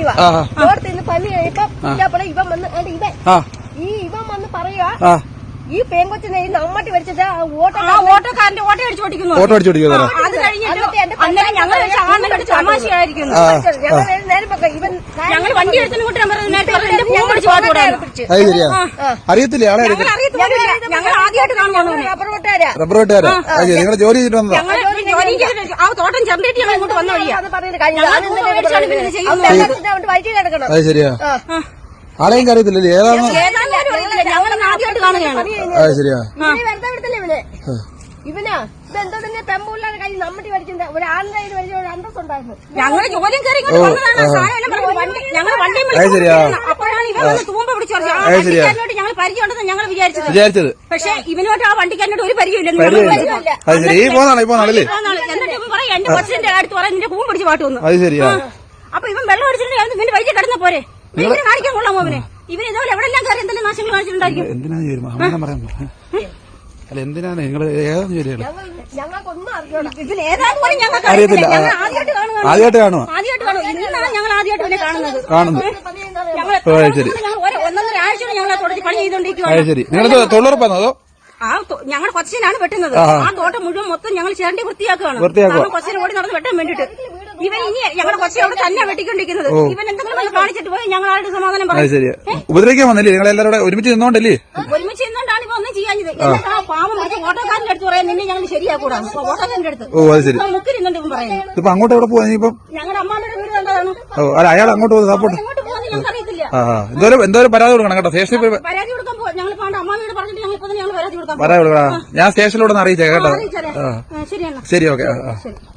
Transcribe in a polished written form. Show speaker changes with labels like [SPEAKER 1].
[SPEAKER 1] ഇരിക്കുക. ഓർത്ത് ഇന്ന് പനി കഴിയപ്പോ ഇവൻ വന്ന് ഇവൻ വന്ന് പറയുക ഈ പെൺകൊച്ചിനെ നമ്മട്ടി വരച്ചത് ഓട്ടോക്കാരന്റെ ഓട്ടോ അടിച്ചോടിക്കുന്നു. അത് കഴിഞ്ഞിട്ട് തമാശയായിരിക്കുന്നു. ഞങ്ങൾ വണ്ടി എടുത്തിട്ട്
[SPEAKER 2] അറിയത്തില്ല.
[SPEAKER 1] ഞങ്ങൾ ആദ്യമായിട്ട് കാണുന്നു.
[SPEAKER 2] റബ്ബർ വെട്ടുകാരാ നിങ്ങൾ ജോലി ചെയ്തിട്ട് വന്നതാ?
[SPEAKER 1] ആ തോട്ടം ചെറുതിട്ട് ഞങ്ങൾ ഇങ്ങോട്ട് വന്ന വഴിയാ. വൈകി കിടക്കണം.
[SPEAKER 2] അത് ശരിയാ. ആളെയും അറിയത്തില്ലല്ലേ ഏതാണ്?
[SPEAKER 1] ഞങ്ങൾ ആദ്യമായിട്ട് കാണുകയാണ്.
[SPEAKER 2] അത് ശരിയാ.
[SPEAKER 1] വെറുതെ വിടത്തില്ല ഇവനാ ഇതെന്തോ തന്നെ പെമ്പുള്ളാണ് കൈ നമ്മട്ടി വരച്ചിട്ടുണ്ട്. ഒരു ആണിന്റെ കയ്യിൽ വരച്ച ഒരു അന്തസ് ഉണ്ടായിരുന്നു. ഞങ്ങൾ ജോലിയും കയറി ഞങ്ങൾ വണ്ടി അപ്പോഴാണ് ഇവൻ വന്ന് തൂമ്പ പിടിച്ചു വണ്ടിക്കാരനോട് ഞങ്ങൾ പരിചയമുണ്ടെന്ന് ഞങ്ങൾ വിചാരിച്ചത്. പക്ഷെ ഇവനോട്ട് ആ വണ്ടിക്കാരനോട് ഒരു പരിചയമില്ലെന്ന്. എന്നിട്ട് ഇവൻ പറയും എന്റെ കൊച്ചിന്റെ അടുത്ത് പറയാൻ നിന്റെ കൂമ്പ് പിടിച്ച് പാട്ട് വന്നു. അപ്പൊ ഇവൻ വെള്ളം അടിച്ചിട്ടുണ്ടെങ്കിൽ നിന്റെ വഴിക്ക് കിടന്ന പോരെ കാണിക്കാൻ കൊള്ളാമോ അവനെ? ഇവന് ഇതുപോലെ എവിടെല്ലാം കയറി എന്തെങ്കിലും നാശങ്ങൾ കാണിച്ചിട്ടുണ്ടായിരിക്കും.
[SPEAKER 2] അല്ല എന്തിനാണ് നിങ്ങൾ ഏതാന്ന് ചോദിച്ചത്?
[SPEAKER 1] ഞങ്ങൾക്കൊന്നും അറിഞ്ഞോളാം.
[SPEAKER 2] അറിയത്തില്ല. ആദ്യമായിട്ട് കാണുമോ?
[SPEAKER 1] ഇന്നാണ് ഞങ്ങൾ ആദ്യമായിട്ട് ഇവനെ കാണുന്നത്.
[SPEAKER 2] ശരി.
[SPEAKER 1] ഒന്നൊന്നര ആഴ്ച ഞങ്ങൾ പണി ചെയ്തോണ്ടിരിക്കുക.
[SPEAKER 2] ശരി. നിങ്ങൾ തൊഴിലുറപ്പാണോ അതോ?
[SPEAKER 1] ഞങ്ങൾ കൊച്ചിനാണ് വെട്ടുന്നത്. ആ തോട്ടം മുഴുവൻ മൊത്തം ഞങ്ങൾ ചേണ്ടി വൃത്തിയാക്കുകയാണ്. കൊച്ചിനെ ഓടി നടന്ന് വെട്ടാൻ വേണ്ടിട്ട്. ഇവൻ ഇനി ഞങ്ങളുടെ കൊച്ചിനെ അവിടെ തന്നെ വെട്ടിക്കൊണ്ടിരിക്കുന്നത്. ഇവൻ എന്തെങ്കിലും കാണിച്ചിട്ട് പോയി ഞങ്ങൾ ആരുടെ സമാധാനം പറയും.
[SPEAKER 2] ഉപദ്രവിക്കാൻ വന്നില്ലേ നിങ്ങൾ എല്ലാവരും ഒരുമിച്ച് നിന്നോണ്ടല്ലേ?
[SPEAKER 1] ഒരുമിച്ച് നിന്നോണ്ടാണ് ഇപ്പൊ ഒന്നും ചെയ്യാഞ്ഞത്. പാവം ഓട്ടോക്കാരന്റെ അടുത്ത് പറയാൻ നിന്നെ ഞങ്ങൾ ശരിയാക്കൂടാ. ഓട്ടോക്കാരന്റെ അടുത്ത് മുക്കി നിന്നുണ്ട് ഇവൻ പറയുന്നത്.
[SPEAKER 2] ഇപ്പൊ അങ്ങോട്ട് എവിടെ പോവാ? ഇപ്പം
[SPEAKER 1] ഞങ്ങളുടെ അമ്മാന്റെ വീട് കണ്ടതാണ്.
[SPEAKER 2] അയാൾ അങ്ങോട്ട് പോകുന്നത് സപ്പോർട്ട്
[SPEAKER 1] ഞങ്ങൾക്കറിയത്തില്ല.
[SPEAKER 2] എന്തോരം പരാതി കൊടുക്കണം കേട്ടോ. സ്റ്റേഷനിൽ
[SPEAKER 1] പരാതി കൊടുക്കാൻ പോകും. ഞങ്ങൾ അമ്മാനോട് പറഞ്ഞിട്ട് ഞങ്ങൾ ഇപ്പൊ തന്നെ പരാതി കൊടുക്കാം.
[SPEAKER 2] ഞാൻ സ്റ്റേഷനിലൂടെ അറിയിച്ചേ കേട്ടോ.
[SPEAKER 1] ശരിയാണ്.
[SPEAKER 2] ശരി ഓക്കെ.